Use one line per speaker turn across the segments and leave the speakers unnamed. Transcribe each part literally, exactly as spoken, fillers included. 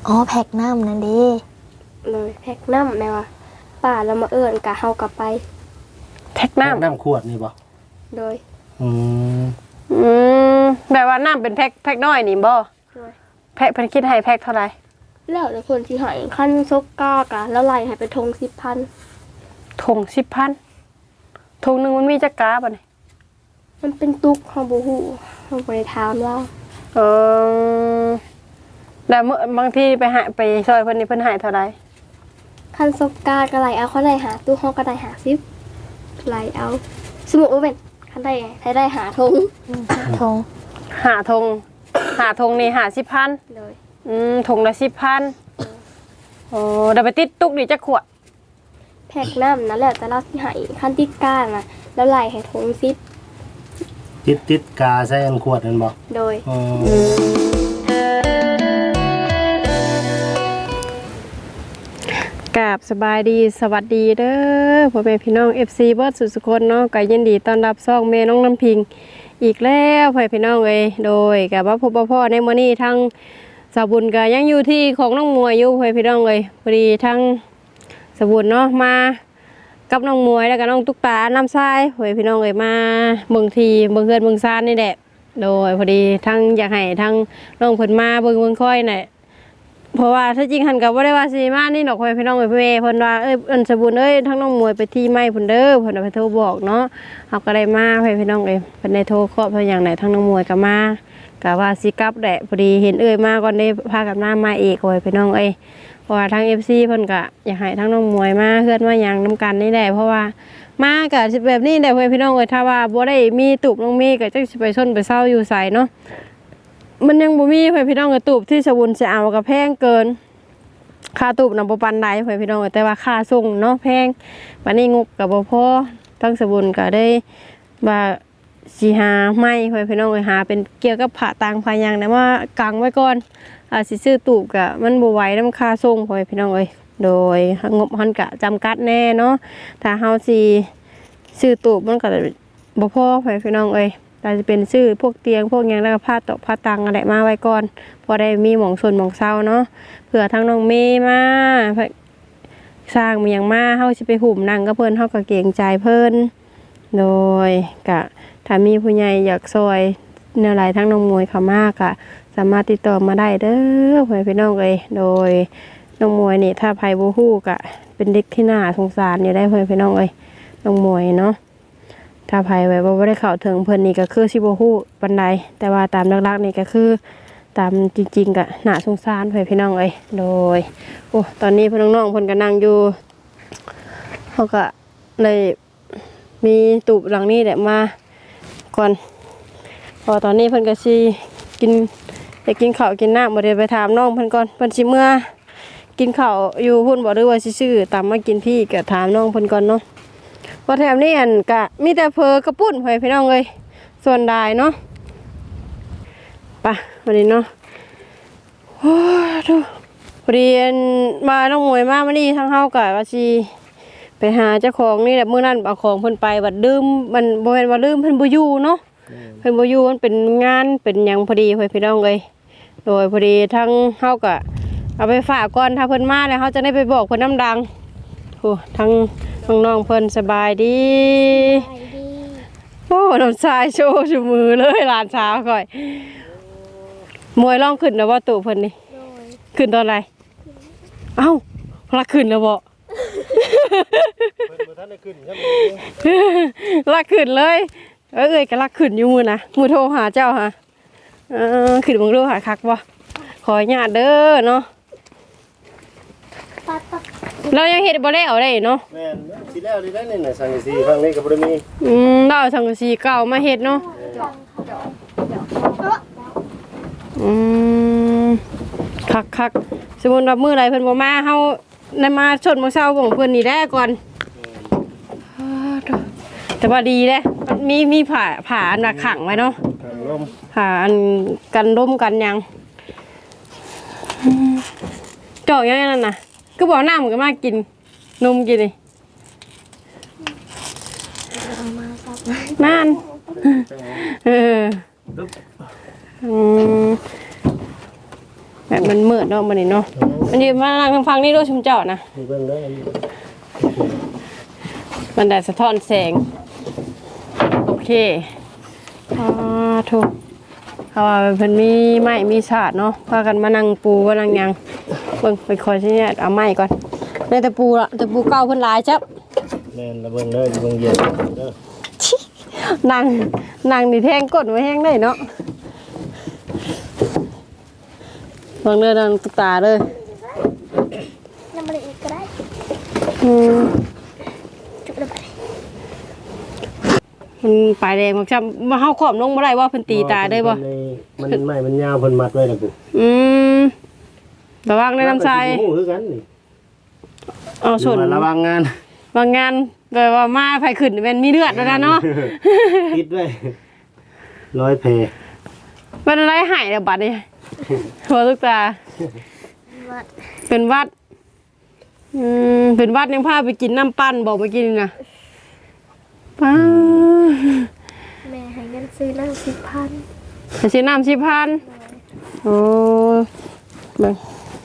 อ๋อแพ็กน้ำนั่นดิ
เลยแพ็กน้ำแม่ว่าป้าเรามาเอิ้นกะเฮากลับไป
แพ็กน้ำ
น้ำขวดนี่บ่
โดย
อืม
อืมแบบว่าน้ำเป็นแพ็กแพ็กน้อยนี่บ่
โดย
แพ็กเพิ่นคิดให้แพ็กเท่าไหร่
แล้วแต่คนที่ให้ขั้นซกกากะแล้วไล่ให้ไปทงสิบพัน
ทงสิบพันทงหนึ่งมันมีจักกาบ่เนี่ย
มันเป็นตุกเขาบูฮูเขาไปถามว่า
เออแต่เมื่อบางทีไปหาไปซอยเพิ่นนี่เพิ่นให้เท่าไหร่
ขั้นซกกากะไล่เอาเขาไล่หาตู้เขาก็ได้หาซิบไล่เอาสมมุติว่าเป็นขั้นได้ไงได้หาทง
ทง
หาทงหาทงนี่หาสิบพัน
เลย
อืมทงละสิบพันโอ้เดี๋ยวไปติดตุกนี่จักขวด
แพ็กน้ำนั่นแหละแต่เราที่ให้ขั้นติดก้านนะแล้วไล่ให้ทงซิบ
ติดติดกาใส่อันขวดนั่นบ่
โดย
กราบสบายดีสวัสดีเด้อพ่อแม่พี่น้อง เอฟ ซี เบิร์ดสุดสุคนเนาะก็ยินดีต้อนรับซ่องแม่น้องน้ำพิงอีกแล้วพ่อพี่น้องเอ้ยโดยกับว่าพ่อพ่อในมื้อนี้ทั้งสาวบุญก็ยังอยู่ที่ของน้องมวยอยู่พ่อพี่น้องเอ้ยพอดีทั้งสาวบุญเนาะมากับน้องมวยแล้วก็น้องตุ๊กตาน้ำทรายพ่อพี่น้องเอ้ยมาเมืองทีเมืองเฮือนเมืองซานนี่แหละโดยพอดีทั้งอยากให้ทั้งน้องเพิ่นมาเบิ่งเบิ่งค่อยน่ะเพราะว่าถ้าจริงหันกับว่าได้ว่าสีมานี่ดอกพ่อพี่น้องเอ้ยพี่เพิ่นว่าเอ้ยอันสบุญเอ้ยทั้งน้องมวยไปที่ไม้เพิ่นเด้อเพิ่นไปโทรบอกเนาะเฮาก็ได้มาพ่อพี่น้องเอ้ยเพิ่นได้โทรเคาะเพิ่นอย่างไหนทั้งน้องมวยก็มาก็ว่าสิกลับแหละพอดีเห็นเอ้ยมาก่อนได้พากันมามาเอกพ่อพี่น้องเอ้ยเพราะว่าทาง เอฟ ซี เพิ่นก็อยากให้ทั้งน้องมวยมาเฮือนมาหยังนำกันนี่แหละเพราะว่ามาก็สิแบบนี้แหละพ่อพี่น้องเอ้ยถ้าว่าบ่ได้มีตูบน้องเมย์ก็จักสิไปชนไปเซาอยู่ไสเนาะมันยังบ่มีพ่อพี่น้องเอ้ยตูบที่สบุญสิเอาก็แพงเกินค่าตูบนำบ่ปานใดเพื่อนพี่น้องแต่ว่าค่าส่งเนาะแพงวันนี้งบกับบ่พอทั้งสบุญก็ได้ว่าสิหาไม้เพื่อนพี่น้องหาเป็นเกี่ยวกับผ้าต่างผ้ายังแต่ว่ากังไว้ก่อนอ่าสิซื้อตูบก็มันบ่ไหวนำค่าส่งเพื่อนพี่น้องเอ้ยโดยงบมันก็จำกัดแน่เนาะถ้าเฮาสิซื้อตูบมันก็บ่พอเพื่อนพี่น้องเอ้ยเราจะเป็นซื้อพวกเตียงพวกยังแล้วก็ผ้าตอกผ้าตังอะไรมาไว้ก่อนพอได้มีหมองส่วนหมองเศร้าเนาะเผื่อทั้งน้องเมย์มาสร้างมีอย่างมาเฮาสิไปหุ่มนั่งก็เพิ่นเฮาก็เกรงใจเพิ่นโดยกะถ้ามีผู้ใหญ่อยากซอยแนวไหลทั้งน้องมวยเขามากกะสามารถติดต่อมาได้เด้อเพื่อนพี่น้องเอ้ยโดยน้องมวยนี่ถ้าไผบ่ฮู้กะเป็นเด็กที่น่าสงสารอยู่ได้เพื่อนพี่น้องเอ้ยน้องมวยเนาะถ้าไผไว้บ่ได้เข้าถึงเพิ่นนี่ก็คือสิบ่ฮู้ปานใดแต่ว่าตามหลักๆนี่ก็คือตามจริงๆก็น่าสงสารเพิ่นพี่น้องเอ้ยโดยโอ้ตอนนี้พี่น้องๆเพิ่นก็นั่งอยู่เฮาก็เลยมีตูบหลังนี้แหละมาก่อนพอตอนนี้เพิ่นก็สิกินได้กินข้าวกินน้ำบ่ได้ไปถามน้องเพิ่นก่อนเพิ่นสิเมื่อกินข้าวอยู่พุ่นบ่หรือว่าสิซื้อตามมากินพี่ก็ถามน้องเพิ่นก่อนเนาะพอแถวนี้อันกะมีแต่เพอกระปุ้นพี่น้องเลยส่วนได้เนาะป่ะวันนี้เนาะโอ้ดูพอดีมาน้องมวยมาวันนี้ทั้งเฮากะว่าสิไปหาเจ้าของนี่แหละเมื่อนั้นเอาของเพิ่นไปบัดลืมมันบ่แม่นว่าลืมเพิ่นบ่อยู่เนาะเพิ่นบ่อยู่มันเป็นงานเป็นหยังพอดีพี่น้องเลยโดยพอดีทั้งเฮากะเอาไปฝากก่อนถ้าเพิ่นมาแล้วเฮาจะได้ไปบอกเพิ่นน้ำดังโอ้ทั้งน้องๆเพิ่นสบายดีโอ้น้ำชายโชว์ชูมือเลยหลานสาวก่อยมวยร้องขึ้นแล้วว่าตู่เพิ่นนี่ขึ้นตอนไรเอ้าลักขึ้นแล้วบ่ลักขึ้นเลยเอ้ยก็ลักขึ้นอยู่มือนะมือโทรหาเจ้าฮะเออขึ้นมึงดูหาคักบ่ขอญาติเด้อเนาะเรายังเห็ดบ่ได้เอาได้เนาะ
แม่นสิแล้วได้นี่น่ะสังกะสีฟังนี้ก็บ่ได้มี
อืมเราสังกะสีเก่ามาเฮ็ดเนาะอืมคักๆสมมุติว่ามื้อใดเพิ่นบ่มาเฮาได้มาชดมื้อเช้าของเพิ่นนี่แหละก่อนแต่ว่าดีเด้มีมีผ้าผ้าอันน่ะขังไว้เนาะ
กันลม
ผ้าอันกันลมกันหยังเจาะยังนั่นน่ะก็บอกน้ำมันก็มากินนมกินเลยนั่นเออแบบมันมืดเนาะมันนี่เนาะมันยืนมานั่งฟังนี่ด้วยชุมเจ้านะ
นี่เบิ่งเด้อ
มันได้สะท้อนแสงโอเคอ่าถูกเขาว่าเพิ่นมีไม้มีฉาดเนาะพากันมานั่งปูมานั่งหยังเบิ่งไปคอยสิเนี่ยเอาไม้ก่อนในตะปูละตะปูเก่าเพิ่นหลายจับ
แม่นละเบิ่งเด้อเบิ่งเย็นเด้อ
นั่งนั่งนี่แทงกดไว้แห้งได้เนาะเบิ่งเด้อนั่งตุ๊กตาเด้อ
น้ำมันอีกก็ได้
อืม
จุดระบาย
มันปลายแดงมักจำมาเฮาขอมลงบ่ได้ว่าเพิ่นตีตาได้บ่
มันไม่มันยาวเพิ่นมัดไว้ล่ะกู
อืมระวังในน้ำทราย
โอ้คือกันนี่
เอาชน
ระวังงาน
บางงานแบบว่ามาไผขึ้นเป็นมีเลือดแล้วนะเนาะ
คิดไว้ร้อยเพ
เป็นอะไรหายแล้วบัดนี้หัวลูกตา
วัด
เป็นวัดอืมเป็นวัดยังพาไปกินน้ำปั้นบอกไปกินนะป้า
แม่ให้เงินซื้อนั่งสิบพัน
ไปซื้อน้ำสิบพันโอ้เบิ่ง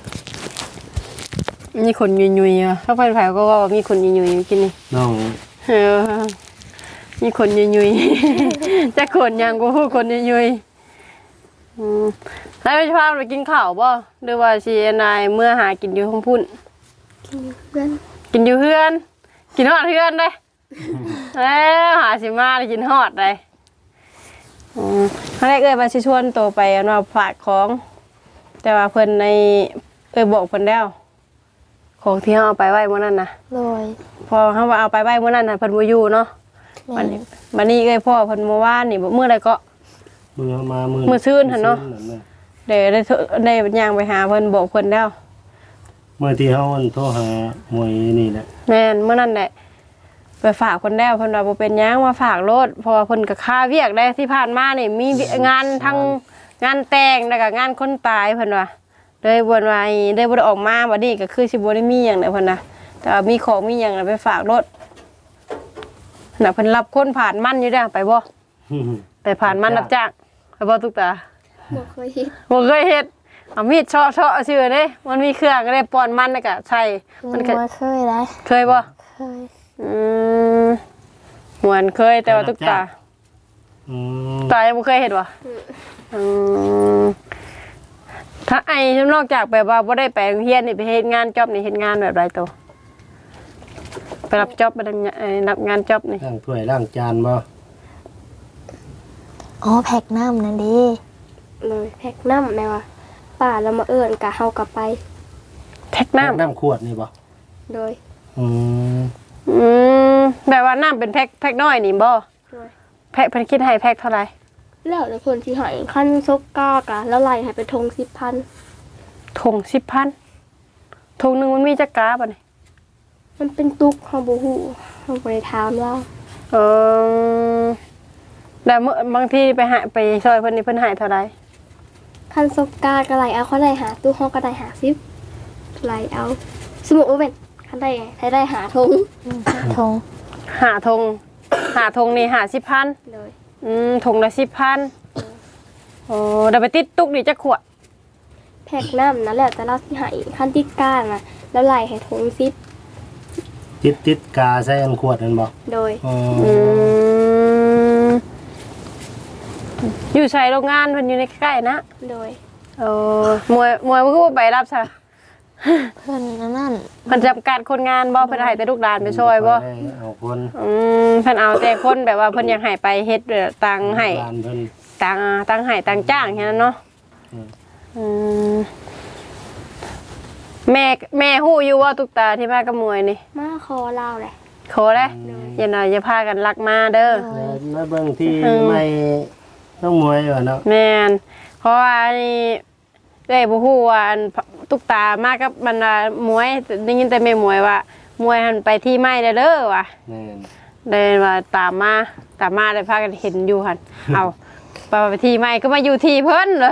มีคนยุยๆอ่ะถ้าไฟไฟก็ว่ามีคนยุยๆกินนี่
น้อง
เออมีคนยุยๆ จะคนยังกูพูดคนยุยๆอืมแล้วไปพาไปกินข้าวบ่หรือว่าชีนายเมื่อหากินอยู่ห้องพุ่น
กินเพื่อน
กินอยู่เพื่อน กินฮอดเพื่อนเลยแล้วหาสิมาได้กินฮอดเลยอืมครั้งแรกเอ้ยมาชิชวนโตไปอันว่าฝากของ แต่ว่าเพิ่นในเอ้ยบอกเพิ่นแล้วของที่เขาเอาไปไว้เมื่อนั้นนะ
โดย
พอเขาว่าเอาไปไว้เมื่อนั้นนะเพิ่นบ่อยู่เนาะ
แม่
วันนี้วันนี้เอ้ยพ่อเพิ่นเมื่อวานนี่บ่มื้อใดก็
มือมามือ
มื้อซื่นหั่นเนาะ เดี๋ยวได้โทรได้ย่างไปหาเพิ่นบอกเพิ่นแล้ว
เมื่อที่เฮาอันโทรหามวยนี่แหละ
แม่นเมื่อนั้นแหละไปฝากคนแล้วเพิ่นว่าบ่เป็นหยังมาฝากรถเพราะว่าเพิ่นก็ค่าเวียกได้ที่ผ่านมานี่มีงานทั้งงานแต่งแล้วก็งานคนตายเพิ่นว่าเลยบ่ว่าได้บ่ได้ออกมาบัดนี้ก็คือสิบ่ได้มีหยังแล้วเพิ่นน่ะแต่ว่ามีของมีหยังแล้วไปฝากรถน่ะเพิ่นรับคนผ่านมันอยู่เด้อไปบ่ไปผ่านมันรับจ้างไปบ่ตุกตา
บอกเคยเห็น
บ่เคยเฮ็ดเอามีดเชาะๆซื่อเด้มันมีเครื่องก็ได้ป้อนมันแล้วก็ใช้มั
มัน น
ก็
บ่เคยได้
เคยบ่
เคย
อืมเหมือนเคยแต่ว่าตุ๊กตา
อืม
ตายังไม่เคยเห็นวะอืมถ้าไอ้นอกจากแบบว่าบ่ได้ไปโรงเรียนนี่ไปเฮ็ดงานจ็อบนี่เฮ็ดงานแบบไรตัวไปรับจ็อบไปทำงานเอ่อรับงานจ็อบนี่
ล้างถ้วยล้างจานบ่
อ๋อแพ็กน้ำนั่นเดิ
เลยแพ็กน้ำแม่ว่าป่าเรามาเอิ้นกะเฮากลับไป
แพ็กน้ำ
น้ำขวดนี่บ่
โดย
อืม
อืมแบบว่าน้ำเป็นแพ็กแพ็กน้อยนี่บ่
โดย
แพ็กเพิ่นคิดให้แพ็กเท่าไหร่
แล้วแต่คนที่ใหายขั้นซกกากะแล้วไล่ให้ไปทงสิบพัน
ถุงสิบพันถุงหนึงมันมีจักกาบ่นี่
มันเป็นตุกเฮาบ่ฮู้เฮาบ่ได้ถามแล้ว
เออแต่เมื่อบางทีไปหาไปช่วยเพิ่นนี่เพิ่นให้เท่าไหร่
ขั้นซกกากะไล่เอาเขาไล่หาตู้เฮาก็ได้หาสิบไล่เอาสมมุติว่าเป็นคันได้ให้ได้หาทง
อืมทง
หาธงหาธงนี่หาสิบพัน
เลย
อืมธงละสิบพันโอ้เดี๋ยวไปติดตุกนี่จะขวด
แพ็กน้ำนั่นแหละแต่เราสิใหายขั้นติดก้านน่ะแล้วไล่ให้ทงสิบ
ติดติดกาใส่อันขวดนั่นบ่
โดย
อ๋อ
อืมอยู่ใช้โรงงานเพิ่นอยู่ในใกล้ๆนะ
โดย
โอ้มวยมวยมันก็บ่ไปรับซะ
เพื่อนนั่น
เพิ่นจำกัดคนงานบ่เพิ่นให้แต่ลูกหลานไปช่วยบ่
ได้เอาคน
อืมเพิ่นเอาแต่คนแบบว่าเพิ่นอยากให้ไปเฮ็ดแบบตังให้
บ้านเพิ่น
ตังตังให้ตังจ้างแค่นั้นเนาะ
อืม
อืมแม่แม่ฮู้อยู่ว่าตุกตาที่มากับมวยนี่
มาคอเล่าเลย
ขอเลยอย่าหน่อยอย่าพากันรักมาเด้อ
แล้วแล้วเบิ่งที่ไม่ต้องมวยว่าเนาะ
แม่นเพราะว่านี่เอ้ยบ่ฮู้ว่าอันตุกตามากับมันว่ามวยได้ยินแต่แม่มวยว่ามวยหันไปที่ไม้เด้อว่ะ
แม่น
เลยว่าตามมาตามมาได้พากันเห็นอยู่หั่น เอาไปไปที่ไม้ก็มาอยู่ที่เพิ่นเหรอ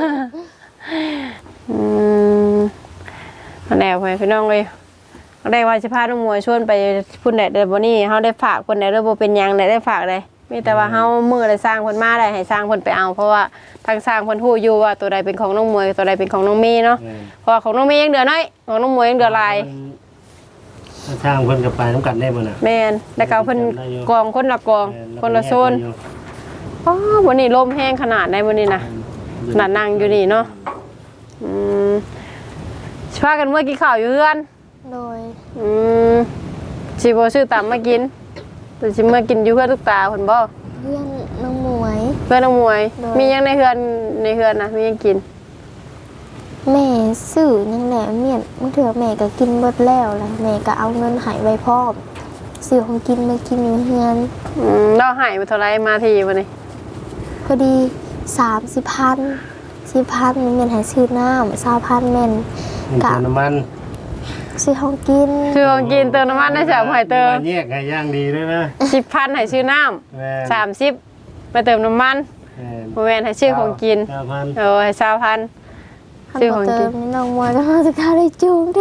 อืมมาแล้วไปพี่น้องเลยได้ว่าสิพาน้องมวยชวนไปพุ่นได้เด้อบ่นี่เฮาได้ฝากเพิ่นได้เด้อบ่เป็นหยังได้ได้ฝากได้มีแต่ว่าเฮามือได้สร้างเพิ่นมาได้ให้สร้างเพิ่นไปเอาเพราะว่าทางสร้างเพิ่นฮู้อยู่ว่าตัวใดเป็นของน้องมวยตัวใดเป็นของน้องมีเนาะเพราะว่าของน้องมียังเดือน้อยของน้องมวยยังเดือหลาย
ช่างเพิ่นกับไปน้ำกันได้บ่น่ะ
แม่นแล้วก็เพิ่นกองคนละกองคนละโซนอ๋อวันนี้ลมแห้งขนาดไหนวันนี้นะขนาดนั่งอยู่นี่เนาะอืมสิพากันเมื่อกินข้าวอยู่เฮือน
โดย
อืมสิบ่ซื้อตามมากินแต่สิมากินอยู่เฮือนทุกตาเพิ่นบ่
เพื่อนน้องหมวย
เพื่อนน้องมวย
โดย
มีหยังในเฮือนในเฮือนนะมีหยังกิน
แม่ซื้อนั่นแหละเมียนมันเถื่อแม่ก็กินเบิดแล้วแหละแม่ก็เอาเงินใหายไว้พร้อมซื้อของกินมากินอยู่เฮือน
อืมเราหายไปเท่าไรมาทีวันนี้
พอดีสามสิบพันสิบพันเมียนใหายซื้อน้ำสามพันแม่น
มันเติมน้ำมัน
ซื้อของกิน
ซื้อของกินเติมน้ำมันได้สามหอยเติม
แยกให้ย่างดีด้วยนะ
สิบพันให้ซื้อน้
แม่
ำสามสิบไปเติมน้ำมัน
แม่
โมเมนให้ซื้อของกิน
เก้าพัน
เออให้สามพัน
คัน
ซื้อข
บ่
อง
เติ
กิน
มนี่น้องมวยก็มาจะค่าได้จูงได้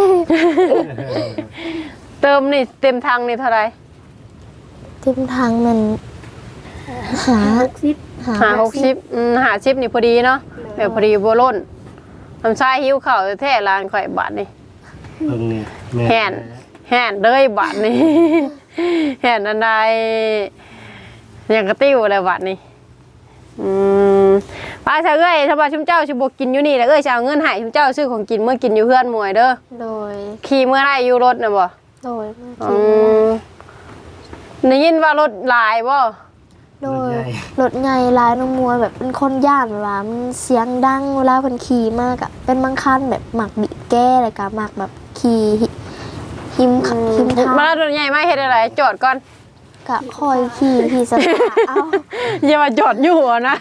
เติมนี่เต็มทังนี่เท่าไร
เต็มทางมันหา
หกสิบ
หาหกสิบอืมหาชิปนี่พอดีเนาะแบบพอดีบัวล้นทำชายหิวเข่าวแท้ร้านข่อยบาทนี่
เบิ่งนี่แม่
แห่นแห่นเลยบาทนี่ แห่นอันใดอย่างกระติ้วอะไรบาทนี่อืมป้าชาเอ้ยถ้าว่าชุมเจ้าชิบกินอยู่นี่แล้วเอ้ยจะเอาเงินให้ชุมเจ้าซื้อของกินเมื่อกินอยู่เพื่อนมวยเด้อ
โดย
ขี่เมื่อไรอยู่รถนะบ่
โดยเมื่อ
อื
กี้
มได้ยินว่ารถหลายบ่
โดยรถไงร้ายน้องมวยแบบเป็นคนย่านเวลามันเสียงดังเวลาเพิ่นขี่มากอะเป็นบางคันแบบหมักบิดแก้เลยกะหมักแบบขี่หิหิมขับหิมทาง
มาแล้วรถใหญ่มาเฮ็ดอะไรจอดก่อน
กะคอยขี่ขี่สตาร์ทเอา
อย่ามาจอดอยู่หัวนะ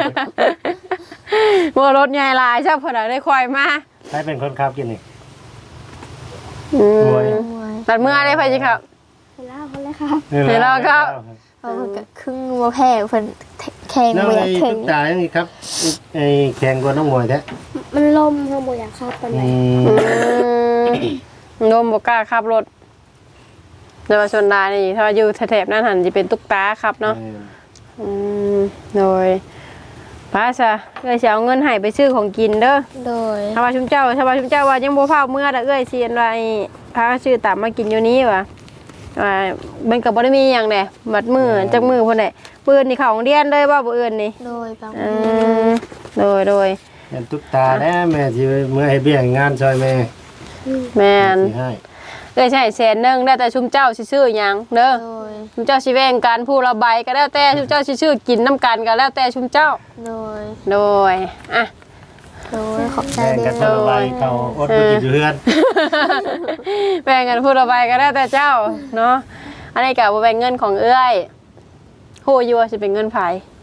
ว่ารถใหญ่หลายชอบเพิ่นได้คอยมา
ใครเป็นคนขับกินนี่
อืม
มวย
มวย
ตัดเมื่อได้ไปจิครับ
เห็นแล้วคนเลยครับ
เห็นแล้วครับ
เพราะเพิ่นก็ครึ่งบ่แพ้เพิ่นแข่ง
น้อง
บ่อยา
ไอ้
กถึ
ตุ๊
ง
กตาอย่างนี้ครับไอ้แข่งกว่าน้องมวยแท้
มันลมเราบ่อยากครับตอน
อื
นี้
ม
อืมโนมบ่กล้าขับรถแต่ว่าชนดานี่ถ้าว่าอยู่แถบๆนั้นหันจะเป็นตุ๊กตาครับเนาะ อืมโดยป้าซะเอ้ยสิเอาเงินให้ไปซื้อของกินเด้อ
โดย
ถ้าว่าชุมเจ้าถ้าว่าชุมเจ้าว่ายังบ่พาเมื่อแต่เอ้ยสิอันว่าไอ้พาซื้อตามมากินอยู่นี้ว่ะว่ามันก็บ่ได้มีหยังแหละบัดมือจักมือพุ่นแหละปืนนี่เข้าโรงเรียนเลยบ่บ่อื่นนี่
โดยบาง
อืมโดยโดย
เป็นตุ๊กตาแน่แม่ที่เมื่อให้เบี้ยงานซอยแม่
แม่น
สิให้
เอ้ยใช่แสนหนึงได้แต่ชุมเจ้าสิซื้อหยังเด้อ
โดย
ชุมเจ้าสิแบ่งกันผู้ละใบก็แล้วแต่ชุมเจ้าสิซื้อกินน้ำกันก็แล้วแต่ชุมเจ้า
โดย
โดยอ่ะ
โดยขอบใจ
แบ่ง
เด้
กันคน
อ
ละใบเขาอดบ่กินอยู่เฮือน
แบ่งกันพูดเอาไปก็ได้แต่เจ้าเนาะอันนี้กับแบ่งเงินของเอื้อยโหอยู่ว่าจะเป็นเงินไผ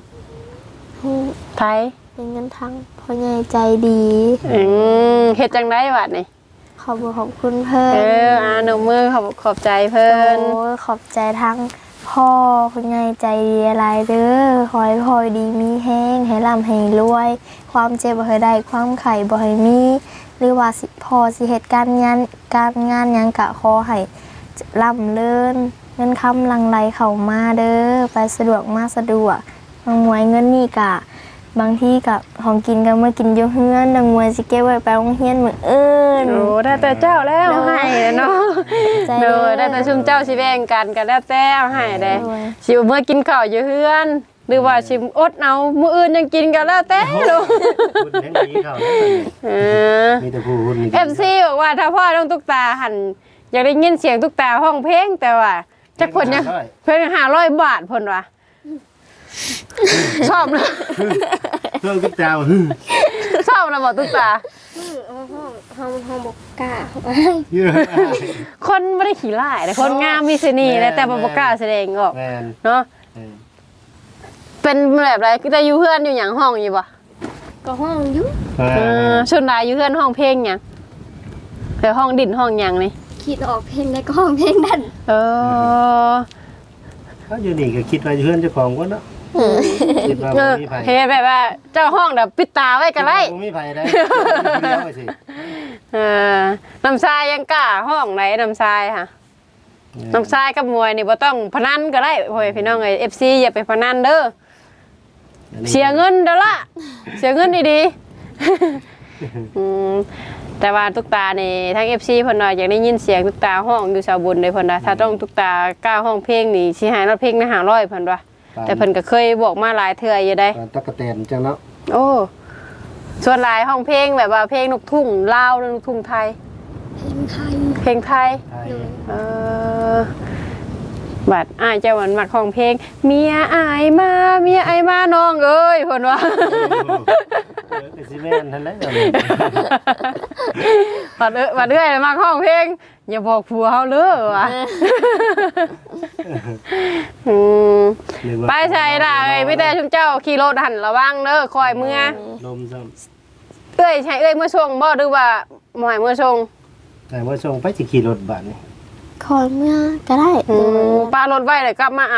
ไผ
เป็นเงินทั้งพ่อใหญ่ใจดี
อืมเฮ็ดจังได๋บัดนี่
ขอบคุณขอบคุณเพิ่น
เอออ่าหนูมือขอบขอบใจเพิ่น
โอ้ยขอบใจทั้งพ่อคุณยายใจดีอะไรเด้อคอยพอยดีมีแห้งให้ร่ำให้รวย ความเจ็บบ่ให้ได้ความไข่บ่ให้มี หรือว่าสิพ่อสิเหตุการณ์งานการงานหยังกะขอให้ร่ำเลินเงินคำหลังไหลเข้ามาเด้อไปสะดวกมาสะดวกบางมวยเงินนี่กะ บางที่กับของกินก็เมื่อกินอยู่เฮือนดังมวยสิเก็บไว้ไปโรงเรียนมื้ออื่น
โอ้ได้แต่เจ้าแล้วให้เนาะ
ใจ
โด
เด้อย
ได้แต่ชุมเจ้าสิแบ่งกันก็แล้วแต่เอาให้เด้
โดย
สิเอามื่อกินข้าวอยู่เฮือน หรือว่าสิอดเอามื้ออื่นยังกินก็แล้วแต่ลูก
คุณแห่งดีเขาแล้ว
เออ
มีแต่ผู้คุณมี
เอฟซีบอกว่าถ้าพ่อต้องตุ๊กตาหันอยากได้ยินเสียงตุ๊กตาห้องเพลงแต่ว่าจักเพิ่นยังเพิ่นห้าร้อยบาทเพิ่นว่าชอบนะ
เครื่องตุ๊กตา
ชอบนะบอกตุ๊กตา
ห้องห้องห้องห้องบอกกล้าเข้าไป
เยอะ
คนไม่ได้ขี้ร้ายแต่คนงามมีเสน่ห์นะแต่บ่บ่กล้าแสดงออก
แมน
เนาะเป็นแบบไรก็จะอยู่เพื่อนอยู่หยังห้องอยู่บ่
ก็ห้องอยุ่
เออชนรายอยู่เพื่อนห้องเพลงหยังแต่ห้องดินห้องหยังนี่
คิดออกเพลงได้ก็ห้องเพลงนั่น
เออ
เขาอยู่นี่ก็คิดว่าเพื่อนเจ้าของก็เนาะคิดว่า
เอ
บ่
อ
มีไผ
เฮ็ดแบบว่าเจ้าห้องแบบปิดตาไว้ก็ได้
บ่มีไผได้เดียวไปสิ
เออน้ำทรายยังกล้าห้องไหนน้ำทรายค่ะน้ำทรายกับมวยนี่บ่ต้องพนันก็ได้พ่อแม่พี่น้องเอ้ย เอฟ ซี อย่าไปพนันเด้อเสียเงินเด้อล่ะเสียเงินดีๆอืมแต่ว่าตุ๊กตานี่ทั้ง เอฟ ซี เพิ่นว่าอยากได้ยินเสียงตุ๊กตาห้องอยู่ชาวบุญเลยเพิ่นว่าถ้าต้องตุ๊กตากล้าห้องเพลงนี่สิให้รถเพลงละห้าร้อยเพิ่นว่าแต่เพิ่นก็เคยบอกมาหลายเทื่ออยู่ได้
ตะกะแตนจังเนาะ
โอ้ส่วนหลายห้องเพลงแบบว่าเพลงลูกทุ่งลาวหรือลูกทุ่งไทย
เพลงไทย
เพลงไทย
ไทย
เออบัดอ้ายเจ้าหวันมักห้องเพลงเมียอายมาเมียอายมาน้องเอ้ยเพิ่นว่า
เออก็สิแม่นนั่นแหละเดี๋ยวนี้
บัดเอ้ยบัดเอ้ยมักห้องเพลงอย่าบอกผัวเฮาเด้อว่ะอืม
หรือว่า
ไปใส่ล่ะเอ้ยมีแต่ชุมเจ้าขี่รถหันระวังเด้อคอยเมื่อ
ลมซ้
เอ้ยใช่เอ้ยเมื่อส่งบ่หรือว่าหมอยเมื่อส่ง
ำแต่ว่าส่งไปสิขี่รถบัดนี่
คอยเมื่อก็ได้
อืมปารถไว้เลยกลับมาเอา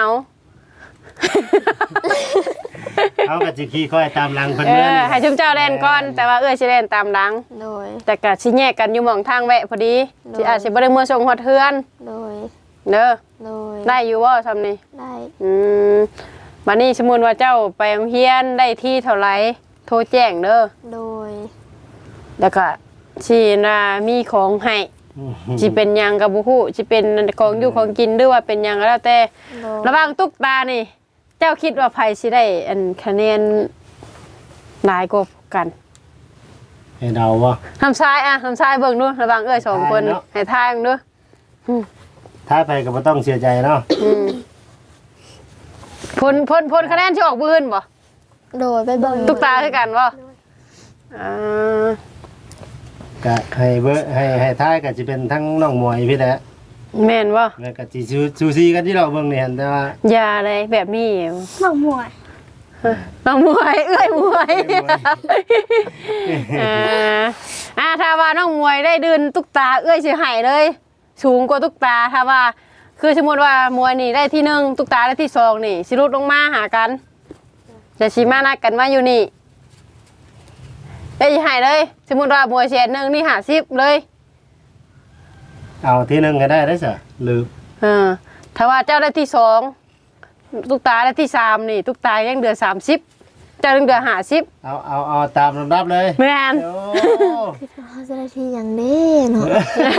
เอาก็สิขี่ค่อยตามหลังเพิ่น
เอ
เมื่อ
อ
นี่
ให้ชุมเจ้าเล่นก่อนแต่ว่าเอ้ยสิเล่นตามหลัง
โดย
แต่ก็สิแยกกันอยู่หม่องทางแวะพอดี
โดย
สิอาจสิบ่ได้มื้อส่งฮอดเฮือน
โดย
เด้อ
โดย
ได้อยู่บ่ซำนี้
ได้
อืมบัดนี้สมมุติว่าเจ้าไปโรงเรียนได้ที่เท่าไหร่โทรแจ้งเด้อ
โดย
แล้วก็สิน่ะมีของให้สิเป็นหยังก็บ่ฮู้สิเป็นของอยู่ของกินหรือว่าเป็นหยังก็แล้วแต่
โดย
ระหว่างตุ๊กตานี่ เจ้าคิดว่าไผสิได้อันคะแนนหลายกว่ากัน
ให้เดาว่า
ทำทรายอ่ะทำทรายเบิ่งดูระหว่างเอ้ยสองคน
ทายเนาะ
ให้ทายเบิ่งดู
ถ้าไปก็บ่ต้องเสียใจเนาะ
อืมผลผลผลคะแนนที่ออกบื้นบ่
โดยไปเบิ่ง
ตุ๊กตาคือกันบ่อ่า
ก็ให้เบอร์ให้ให้ท้ายก็สิเป็นทั้งน้องมวยพี่แหละ
แม่นบ่
แล้วก็สิซูซูซีกันที่เราเบิ่งนี่หั่นแต่ว่า
อย่าเลยแบบนี้
หนังมวย
น้องมวยเอ้ยมวย
เอ้ยมวย
อ่าอ่าถ้าว่าน้องมวยได้ดืนตุ๊กตาเอ้ยสิให้เลย สูงกว่าตุ๊กตาถ้าว่า คือสมมุติว่ามวยนี่ได้ที่หนึ่งตุ๊กตาได้ที่สองนี่สิลดลงมาหากันจะสิมานัดกันมาอยู่นี่ได้สิให้เลย สมมุติว่ามวยแสนหนึ่งนี่ห้าสิบเลย
เอาที่หนึงก็ได้ได้ซะหรือ
เออถ้าว่าเจ้าได้ที่สองตุ๊กตาได้ที่สามนี่ ตุ๊กตายังเดือนสามสิบเจ้ายังเดือนห้าสิบ
เอาเอาเอาตามลำดับเลย
แม่น
โอ้
เขาจะได้ที่อย่างนี้เนาะ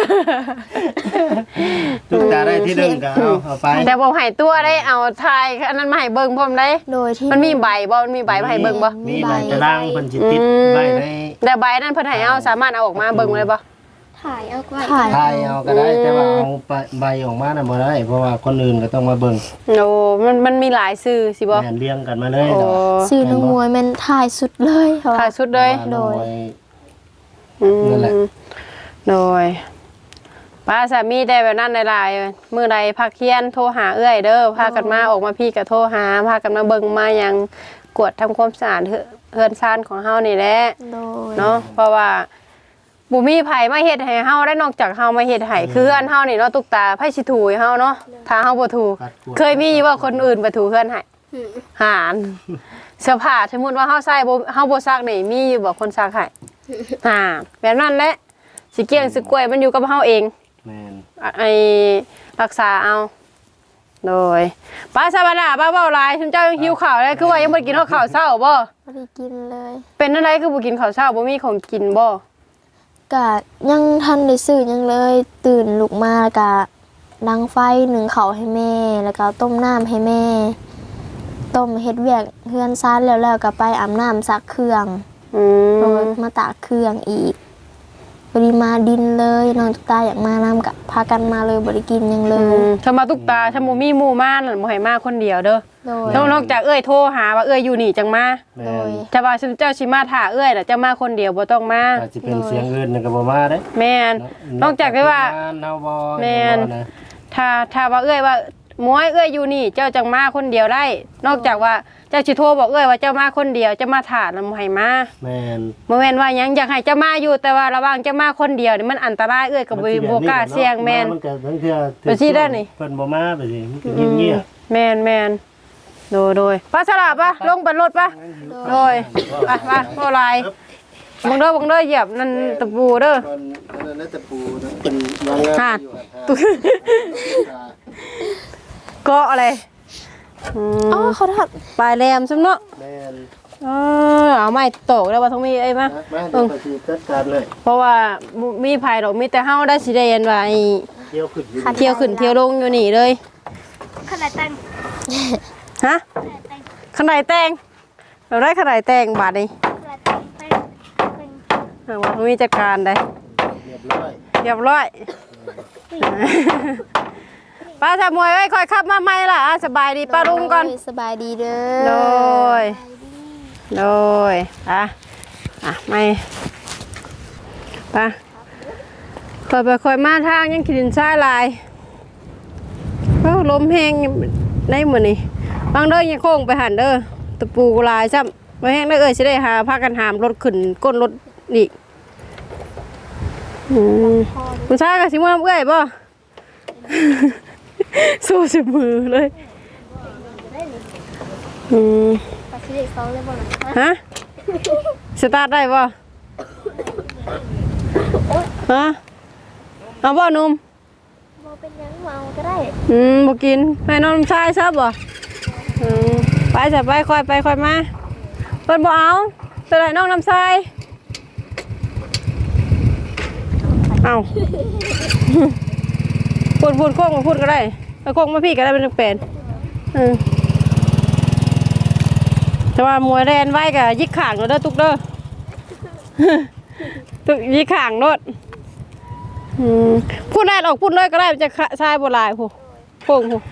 ตุ๊กตาได้ที่หนึงก็เอาเอาไป
แต่บอกให้ตัวได้เอาทายอันนั้นมาให้เบิ่งพร้อมได้
โดยที่
มันมีใบบ่มันมีใบมาให้เบิ่งบ่
มีใบตารางเพิ่นสิติด
อืม
ไว้ใน
แต่ใบนั้นเพิ่นให้เอาสามารถเอาออกมาเบิ่งเลยบ่
ถ่ายเอาไว้
ถ่าย
ทายเอาก็ได้แต่ว่าเอาไปใบออกมาน่ะบ่ได้ เพราะว่าคนอื่นก็ต้องมาเบิ่ง
โอ้มันมันมีหลายชื่อสิบ่
แม่นเรียงกันมาเลย
โอ้
เนาะ
ซื้อนักมวยแมันถ่ายสุดเลยเขาว่า
ถ่ายสุดเลย
โดย
อืม
นั่นแหละ
โดยป้าสามีได้แบบนั้นหลายๆมื้อใดพักเที่ยงโทรหาเอื้อยเด้อพากันมาออกมาพี่ก็โทรหาพากันมาเบิ่งมาหยังกวดทำความสะอาดเฮือเฮือนซ่านของเฮานี่แหละ
โดย
เนาะเพราะว่าบุมีไผมาเฮ็ดให้เฮาได้นอกจากเฮามาเฮ็ดให้คืออันเฮานี่เนาะตุกตาไผสิถูให้เฮาเนาะถ้าเฮาบ่ถู
ปัดกวด
เคยมีว่าคนอื่นไปถูเฮือนให้
อืม
หารเสื้อผ้าสมมุติว่าเฮาใส่บ่เฮาบ่ซักนี่มีอยู่บ่คนซักให้อ่าแบบนั้นแหละสิเกี้ยงสิกล้วยมันอยู่กับเฮาเอง
แม่น
อ่ะไอ้รักษาเอาโดยป้าสบายดาป้าเว้าหลายฉันเจ้ายังหิวข้าวเลยคือว่ายังบ่ได้กินข้าวเช้าบ่
ไม่ได้กินเลย
เป็นอะไรคือบ่กินข้าวเช้าบ่มีของกินบ่
กะยังทันได้ซื้อหยังเลย ตื่นลุกมากะดังไฟหนึ่งเขาวให้แม่ แล้วก็ต้มน้ำให้แม่ ต้มเฮ็ดเวียกเฮือนซ่านแล้วแล้วก็ไปอาบน้ำซักเครื่อง
อื
โด
ม
ยมาตากเครื่องอีกบริมาดินเลยน้องตุ๊กตาอยากมาน้ำกับพากันมาเลยบริกินหยังเล
อื
ย
มถ้ามาตุกตาถ้าบ่มีหมู่มานั่นบ่ให้มาคนเดียวเด้อ
โดย
นอกนอกจากเอ้ยโทรหาว่าเอ้ยอยู่นี่จังมา
แม่
โดย
น
ถ้าว่าเจ้าสิมาถ่าเอ้ยน่ะเจ้ามาคนเดียวบ่ต้องมา
อาจจะเป็นเสียงอื่นนั่นก็บ่มาเด้
แม่น นอกจากที่ว่า
เนาบ่
แม่น
บ่ะ
ถ้าถ้าว่าเอ้ยว่าหมวยเอ้ยอยู่นี่ เจ้าจังมาคนเดียวได้ นอกจากว่าเจ้าสิโทรบอกเอ้ยว่าเจ้ามาคนเดียวเจ้ามาถ่าแล้วบ่ให้มา
แม่น
บ่แม่นว่าหยังอยากให้เจ้ามาอยู่แต่ว่าระหว่างเจ้ามาคนเดียวนี่มันอันตรายเอ้ยก็บ่บ่กล้าเสี่ยงแม่น
มันก็ทั้งเทื่อ
ไปสิได้นี่
เพิ่นบ่มาไปสิมันก็เงียบ
แม่นแม่นโดยโดยป้าสลาปะลงบนรถปะโดยไปไปโอไลน์บังเด้อบังเด้อเหยียบนั่นตะปูเด้อ
ตอนนั้นน่ะตะปูนะเป็นวางงานอยู่
ตุ๊ เกาะอะไรอื
อ๋อ
ม
เขาทอด
ปลายแหลมซุ่มเนาะ
แม่น
เออเอาไม้ตอกแล้วว่าต้องมีเอ้ยมา
นะมาเดี๋ยวไปสิจัดการเลย
เพราะว่าบ่มีไผดอกมีแต่เฮาได้สิได้เห็นว่าไอ้
เที่ยวขึ้นอยู่
เที่ยวขึ้นเที่ยวลงอยู่นี่เลย
ขนาดแต่ง
ฮะขนาดแต่งเราได้ขนาดแต่งบาทนี่
ขนาดแต่งเป็นเป็น
เอาว่าต้องมีจัดการได้
เรียบร้อย
เรียบร้อยป้าทำมวยไว้ค่อยขับมาใหม่ล่ะอ่ะสบายดีป้าลุงก่อน
สบายดีเด้
โด
อย
โดยอ่ะอ่ะไม่ไป้าค่อยไปค่อยมาทางยังขินซ้ายลายเอ้าลมแห้งในมือนี่บางเด้อยังโค้งไปหันเด้อตะปูลายซ้ำไปแห้งได้เอ่ยสิได้หาพากันหามรถขึ้นก้นรถอีกอืมคุณชายกับสิมือเอ้ยบ่ สู้สิมือเลยอืม
ปลาชิเด็กสองเลยบ่ล่ะ
ฮะสตาร์ทได้บ่ฮะเอาบ่หนุ่ม
บ่เป็นหยังเมาก็ได้
อืมบ่กินให้น้องชายซับบ่อืมไปจะไปค่อยไปค่อยมาเพิ่นบ่เอาเป็นไรน้องน้ำทรายเอา พูดพูดโค้งมาพูดก็ได้เอาโค้งมาพี่ก็ได้เป็นเป็นอืมแต่ว่ามวยแรนไว้กับยิกข่างเด้อตุกเด้อ ตุกยิกข่างโนดอืมพูดได้ออกพูดเลยก็ได้มันจะชายโบราณผู้โค้งผู้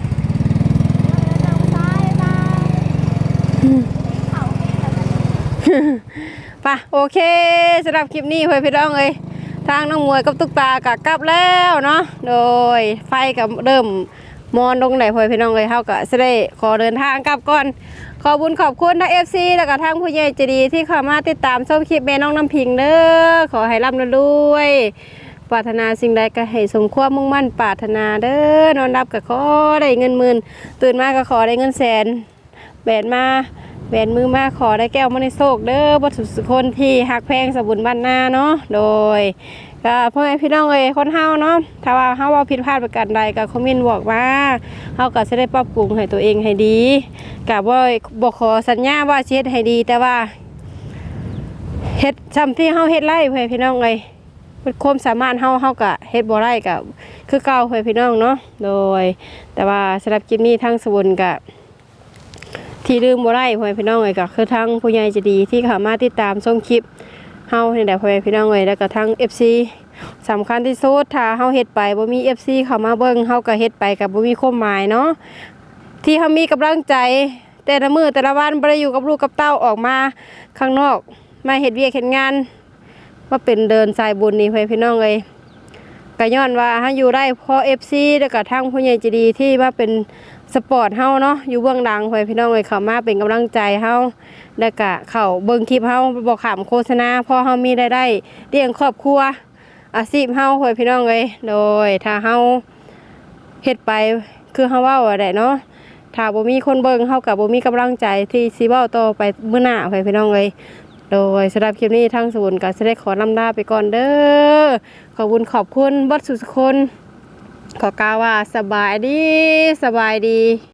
ไปโอเคสำหรับคลิปนี้เพื่อนพี่น้องเอ้ยทางน้องมวยกับตุ๊กตากะกลับแล้วเนาะโดยไฟกับเริ่มมอนลงไหนเพื่อนพี่น้องเอ้ยเฮาก็จะได้ขอเดินทางกลับก่อนขอบุญขอบคุณทั้ง เอฟ ซี แล้วก็ทางผู้ใหญ่ใจดีที่เข้ามาติดตามชมคลิปแม่น้องน้ำพิงเด้อขอให้ร่ำรวยปรารถนาสิ่งใดก็ให้สมความมุ่งมั่นปรารถนาเด้อนอนรับก็ขอได้เงินหมื่นตื่นมาก็ขอได้เงินแสนแบนมาแบนมือมาขอได้แก้วมาในโศกเด้อบ่ทุกคนที่หักแพงสบุญบ้านนาเนาะโดยก็พ่อแม่พี่น้องเอ้ยคนเฮาเนาะถ้าว่าเฮาว่าผิดพลาดประการใดก็คอมเมนต์บอกมาเฮาก็จะได้ปรับปรุงให้ตัวเองให้ดีก็บ่บ่ขอสัญญาว่าสิเฮ็ดให้ดีแต่ว่าเฮ็ดซ้ำที่เฮาเฮ็ดไรเพื่อนพี่น้องเอ้ยเป็นความสามารถเฮาเฮาก็เฮ็ดบ่ได้ก็คือเก่าเพื่อนพี่น้องเนาะโดยแต่ว่าสำหรับคลิปนี้ทางสบุญก็ที่ลืมบ่ได้พ่อแม่พี่น้องเอ้ยก็คือทั้งผู้ใหญ่ใจดีที่เข้ามาติดตามชมคลิปเฮานี่แหละพ่อแม่พี่น้องเอ้ยแล้วก็ทั้ง เอฟ ซี สำคัญที่สุดถ้าเฮาเฮ็ดไปบ่มี เอฟ ซี เข้ามาเบิ่งเฮาก็เฮ็ดไปก็บ่มีความหมายเนาะที่เฮามีกำลังใจแต่ละมื้อแต่ละวันบ่ได้อยู่กับลูกกับเต้าออกมาข้างนอกมาเฮ็ดเวียกเฮ็ดงานว่าเป็นเดินสายบุญนี่พ่อแม่พี่น้องเอ้ยก็ย้อนว่าเฮาอยู่ได้เพราะ เอฟ ซี แล้วก็ทั้งผู้ใหญ่ใจดีที่มาเป็นสปอร์ตเฮาเนาะอยู่เบื้องหลังพ่อแม่พี่น้องเอ้ยเข้ามาเป็นกำลังใจเฮาแล้วก็เข้าเบิ่งคลิปเฮาบ่ขำโฆษณาพอเฮามีรายได้เลี้ยงครอบครัวอาชีพเฮาพ่อแม่พี่น้องเอ้ยโดยถ้าเฮาเฮ็ดไปคือเฮาเว้าอะได้เนาะถ้าบ่มีคนเบิ่งเฮาก็บ่มีกำลังใจที่สิเว้าต่อไปมื้อหน้าพ่อแม่พี่น้องเอ้ยโดยสำหรับคลิปนี้ทางศูนย์ก็สิได้ขอลำลาไปก่อนเด้อขอบคุณขอบคุณเบิดสุขคนขอกล่าวว่าสบายดีสบายดี